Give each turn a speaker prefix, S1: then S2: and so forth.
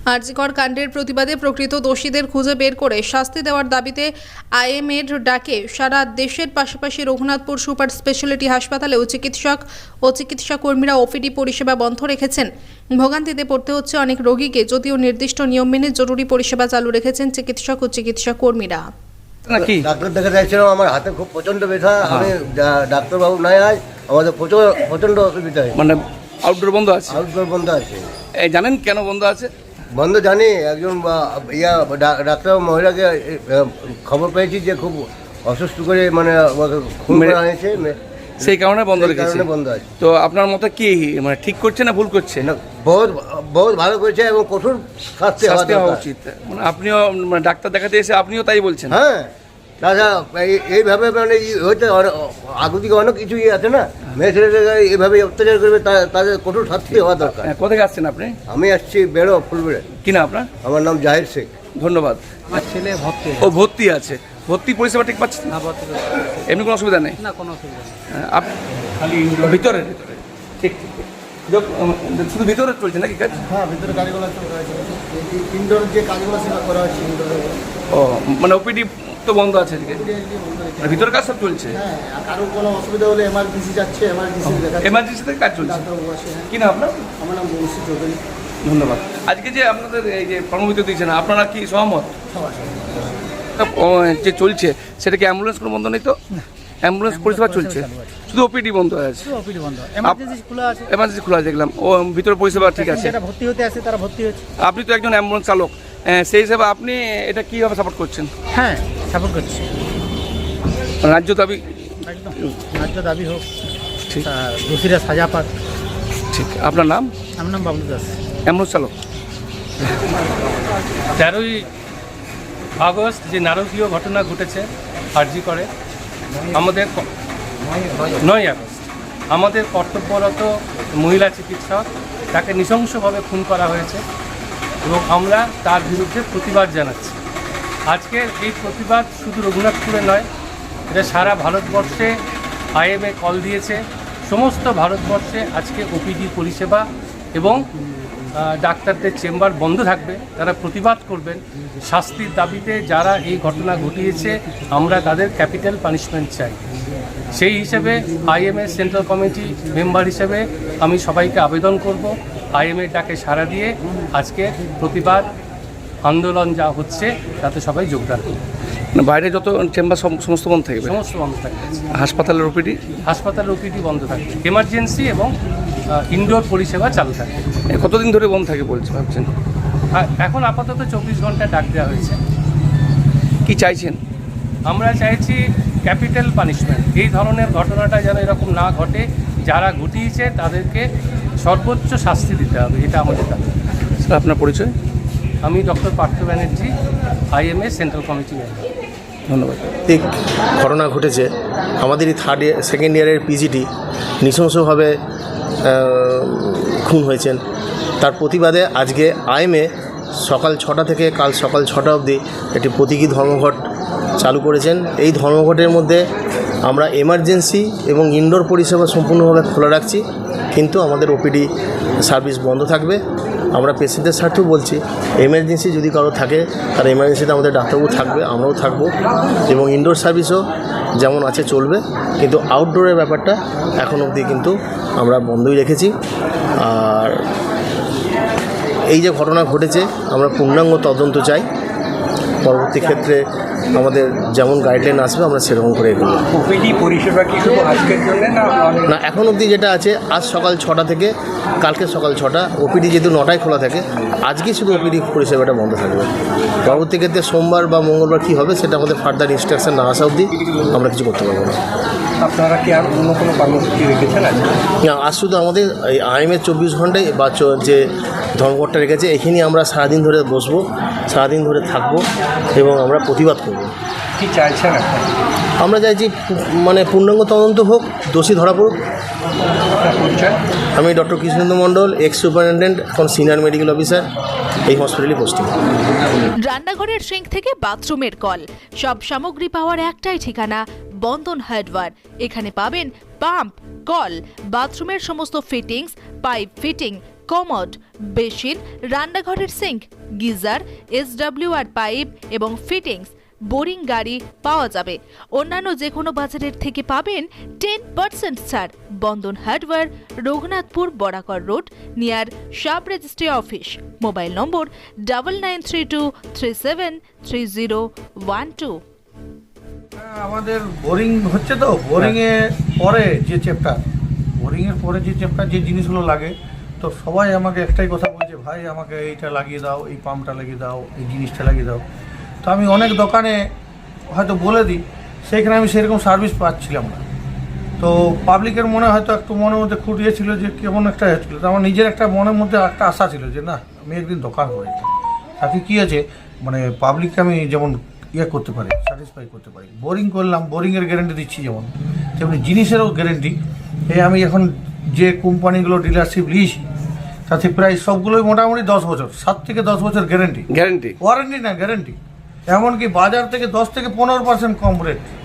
S1: আরজিকর কাণ্ডের প্রতিবাদে প্রকৃত দোষীদের খুঁজে বের করে শাস্তি দেওয়ার দাবিতে আইএমএর ডাকে সারা দেশের পাশাপাশি রঘুনাথপুর সুপার স্পেশালিটি হাসপাতালেও চিকিৎসক ও চিকিৎসা কর্মীরা ওপিডি পরিষেবা বন্ধ রেখেছেন। ভোগান্তিতে পড়তে হচ্ছে অনেক রোগীকে, যদিও নির্দিষ্ট নিয়ম মেনে জরুরি পরিষেবা চালু রেখেছেন চিকিৎসক ও চিকিৎসা কর্মীরা।
S2: নাকি
S3: ডাক্তার দেখে যাচ্ছিলাম, আমার হাতে খুব প্রচন্ড ব্যথা। আমি ডাক্তারবাবু নাই আজ, আমাদের প্রচন্ড অসুবিধা হয়।
S2: মানে আউটডোর বন্ধ আছে?
S3: আউটডোর বন্ধ আছে।
S2: জানেন কেন বন্ধ আছে?
S3: বন্ধ জানি, একজন ডাক্তার মহিলাকে খবর পেয়েছি যে খুব অসুস্থ করে মানে খুন করা হয়েছে,
S2: সেই কারণে বন্ধ রেখেছে।
S3: বন্ধ আছে।
S2: তো আপনার মতে কি মানে ঠিক করছে না ভুল করছে? না,
S3: বহুত ভালো করেছে এবং কঠোর শাস্তি হওয়া
S2: উচিত। মানে আপনিও মানে ডাক্তার দেখাতে এসে আপনিও তাই বলছেন?
S3: হ্যাঁ, তাছাড়া এইভাবে মানে হয়তো আগে থেকে অনেক কিছু আছে না, মেয়ে ছেলেদের এইভাবে অত্যাচার করবে, তাদের কঠোর শাস্তি হওয়া দরকার।
S2: কোথায় আসছেন আপনি?
S3: আমি আসছি বেড়ো ফুলবেড়ে।
S2: কি না আপনার?
S3: আমার নাম জাহির শেখ।
S2: ধন্যবাদ।
S4: আমার ছেলে ভর্তি।
S2: ও ভর্তি আছে? ভর্তি পরিষেবা ঠিক পাচ্ছেন?
S4: না, ভর্তি
S2: এমনি কোনো অসুবিধা নেই?
S4: না, কোনো অসুবিধা নেই।
S2: খালি ভিতরে ভিতরে ঠিক ঠিক শুধু ভিতরে চলছে নাকি কাজ?
S3: হ্যাঁ, ভিতরে কাজগুলো ইনডোর যে কাজগুলো সেটা করা হচ্ছে ইনডোরে।
S2: ও মানে ওপিডি তো বন্ধ আছে আজকে, ভিতরে কাজ সব চলছে?
S3: হ্যাঁ, কারো কোনো অসুবিধা হলে এমার্জেন্সি যাচ্ছে,
S2: এমার্জেন্সিতে কাজ চলছে। কি না আপনার?
S3: আমার নাম বংশী চৌধুরী।
S2: ধন্যবাদ। আজকে যে আপনাদের এই যে কর্মবিরতি দিয়েছেন, আপনারা কি সহমত? যে চলছে সেটা কি অ্যাম্বুলেন্স কোনো বন্ধ নেই তো? অ্যাম্বুলেন্স পরিষেবা চলছে, শুধু ওপিডি বন্ধ আছে।
S4: ওপিডি বন্ধ, এমার্জেন্সি খোলা আছে।
S2: এমার্জেন্সি খোলা আছে দেখলাম, ও ভিতরে পরিষেবা ঠিক আছে।
S4: যারা ভর্তি হতে আসে তারা ভর্তি হচ্ছে।
S2: আপনি তো একজন অ্যাম্বুলেন্স চালক, সেই হিসাবে আপনি এটা কীভাবে সাপোর্ট করছেন?
S4: হ্যাঁ, সাপোর্ট করছি।
S2: রাজ্য দাবি
S4: একদম ন্যায্য দাবি হোক,
S2: ঠিক,
S4: দোষীরা সাজা পাক।
S2: ঠিক। আপনার নাম?
S4: আমার নাম বাবলু দাস,
S2: অ্যাম্বুলেন্স চালক।
S5: 13ই আগস্ট যে নারকীয় ঘটনা ঘটেছে আরজিকরে, আমাদের 9ই আগস্ট আমাদের কর্তব্যরত মহিলা চিকিৎসক তাকে নৃশংসভাবে খুন করা হয়েছে এবং আমরা তার বিরুদ্ধে প্রতিবাদ জানাচ্ছি। আজকের এই প্রতিবাদ শুধু রঘুনাথপুরে নয়, এটা সারা ভারতবর্ষে আইএমএ কল দিয়েছে। সমস্ত ভারতবর্ষে আজকে ওপিডি পরিষেবা এবং ডাক্তারদের চেম্বার বন্ধ থাকবে। তারা প্রতিবাদ করবেন শাস্তির দাবিতে। যারা এই ঘটনা ঘটিয়েছে আমরা তাদের ক্যাপিটাল পানিশমেন্ট চাই। সেই হিসেবে আইএমএ সেন্ট্রাল কমিটি মেম্বার হিসেবে আমি সবাইকে আবেদন করব আইএমএ ডাকে সাড়া দিয়ে আজকে প্রতিবাদ আন্দোলন যা হচ্ছে তাতে সবাই যোগদান করবে।
S2: বাইরে যত চেম্বার সমস্ত বন্ধ থাকবে?
S5: সমস্ত বন্ধ থাকবে।
S2: হাসপাতালের ওপিডি?
S5: হাসপাতালের ওপিডি বন্ধ থাকবে, এমার্জেন্সি এবং ইনডোর পরিষেবা চালু থাকবে।
S2: কতদিন ধরে বন্ধ থাকে বলছে ভাবছেন?
S5: এখন আপাতত 24 ঘন্টা ডাক দেওয়া হয়েছে।
S2: কি চাইছেন?
S5: আমরা চাইছি ক্যাপিটাল পানিশমেন্ট। এই ধরনের ঘটনাটা যেন এরকম না ঘটে, যারা ঘটিয়েছে তাদেরকে সর্বোচ্চ শাস্তি দিতে হবে, এটা আমাদের দাবি।
S2: স্যার, আপনার পরিচয়?
S5: আমি doctor Partha Banerjee, IMA central committee member.
S2: ধন্যবাদ।
S6: ঠিক ঘটনা ঘটেছে, আমাদেরই সেকেন্ড ইয়ারের পিজিটি নৃশংসভাবে খুন হয়েছেন। তার প্রতিবাদে আজকে আইএমএ সকাল 6টা থেকে কাল সকাল 6টা অবধি একটি প্রতীকী ধর্মঘট চালু করেছেন। এই ধর্মঘটের মধ্যে আমরা এমার্জেন্সি এবং ইনডোর পরিষেবা সম্পূর্ণভাবে খোলা রাখছি, কিন্তু আমাদের ওপিডি সার্ভিস বন্ধ থাকবে। আমরা পেশেন্টের স্বার্থেও বলছি, এমার্জেন্সি যদি কারো থাকে তার এমার্জেন্সিতে আমাদের ডাক্তারবাবু থাকবে, আমরাও থাকবো, এবং ইনডোর সার্ভিসও যেমন আছে চলবে, কিন্তু আউটডোরের ব্যাপারটা এখন অবধি কিন্তু আমরা বন্ধই রেখেছি। আর এই যে ঘটনা ঘটেছে আমরা পূর্ণাঙ্গ তদন্ত চাই। পরবর্তী ক্ষেত্রে আমাদের যেমন গাইডলাইন আসবে আমরা সেরকম করে এগোবো।
S2: ওপিডি পরিষেবা কি শুধু আজকের জন্য
S6: না, এখন অবধি যেটা আছে আজ সকাল 6টা থেকে কালকে সকাল 6টা, ওপিডি যেহেতু 9টায় খোলা থাকে, আজকে শুধু ওপিডি পরিষেবাটা বন্ধ থাকবে। পরবর্তী ক্ষেত্রে সোমবার বা মঙ্গলবার কী হবে সেটা আমাদের ফার্দার ইনস্ট্রাকশন না আসা অবধি আমরা কিছু করতে পারবো না।
S2: আপনারা কি আর অন্য কোনো কর্মসূচি রেখেছেন?
S6: না, আজ শুধু আমাদের এই আইএমএ 24 ঘন্টায় বা যে ধর্মঘটটা রেখেছে, এখানেই আমরা সারাদিন ধরে বসবো, সারাদিন ধরে থাকবো এবং আমরা প্রতিবাদ করব।
S2: কি চাইছেন এখন?
S6: আমরা চাইছি মানে পূর্ণাঙ্গ তদন্ত হোক, দোষী ধরা পড়ুক। আমি doctor Krishnendu Mondal, ex superintendent, এখন সিনিয়র মেডিকেল অফিসার, এই হসপিটালে পোস্টিং।
S7: রান্নাঘরের সিঙ্ক থেকে বাথরুমের কল, সব সামগ্রী পাওয়ার একটাই ঠিকানা, বন্ধন হার্ডওয়্যার। এখানে পাবেন পাম্প, কল, বাথরুমের সমস্ত fittings, pipe fitting, commode, basin, রান্নাঘরের সিঙ্ক, গিজার, SWR পাইপ এবং ফিটিংস, বোরিং গাড়ি পাওয়া যাবে। অন্যান্য যে কোনো বাজারের থেকে পাবেন 10% ছাড়। Bandhan hardware, Raghunathpur Barakar road, near sub registry office. Mobile number 9932373012।
S8: আমাদের বোরিং হচ্ছে তো, বোরিংয়ে পরে যে চ্যাপ্টার যে জিনিসগুলো লাগে, তো সবাই আমাকে একটাই কথা বলছে, ভাই আমাকে এইটা লাগিয়ে দাও, এই পাম্পটা লাগিয়ে দাও, এই জিনিসটা লাগিয়ে দাও। তো আমি অনেক দোকানে হয়তো বলে দিই, সেইখানে আমি সেরকম সার্ভিস পাচ্ছিলাম না। তো পাবলিকের মনে হয়তো একটু মনের মধ্যে খুঁটিয়েছিল যে কেমন একটা হচ্ছিলো। তো আমার নিজের একটা মনের মধ্যে একটা আশা ছিল যে না, আমি একদিন দোকান করি, তাতে কী আছে মানে পাবলিককে আমি যেমন করতে পারি, স্যাটিসফাই করতে পারি। বোরিং করলাম, বোরিংয়ের গ্যারেন্টি দিচ্ছি যেমন, তেমনি জিনিসেরও গ্যারেন্টি। এই আমি এখন যে কোম্পানিগুলো ডিলারশিপ নিয়েছি তাতে প্রায় সবগুলোই মোটামুটি 10 বছর, 7 থেকে 10 বছর গ্যারেন্টি।
S2: গ্যারেন্টি
S8: ওয়ারেন্টি না, গ্যারেন্টি। এমনকি বাজার থেকে 10 থেকে 15% কম রেট।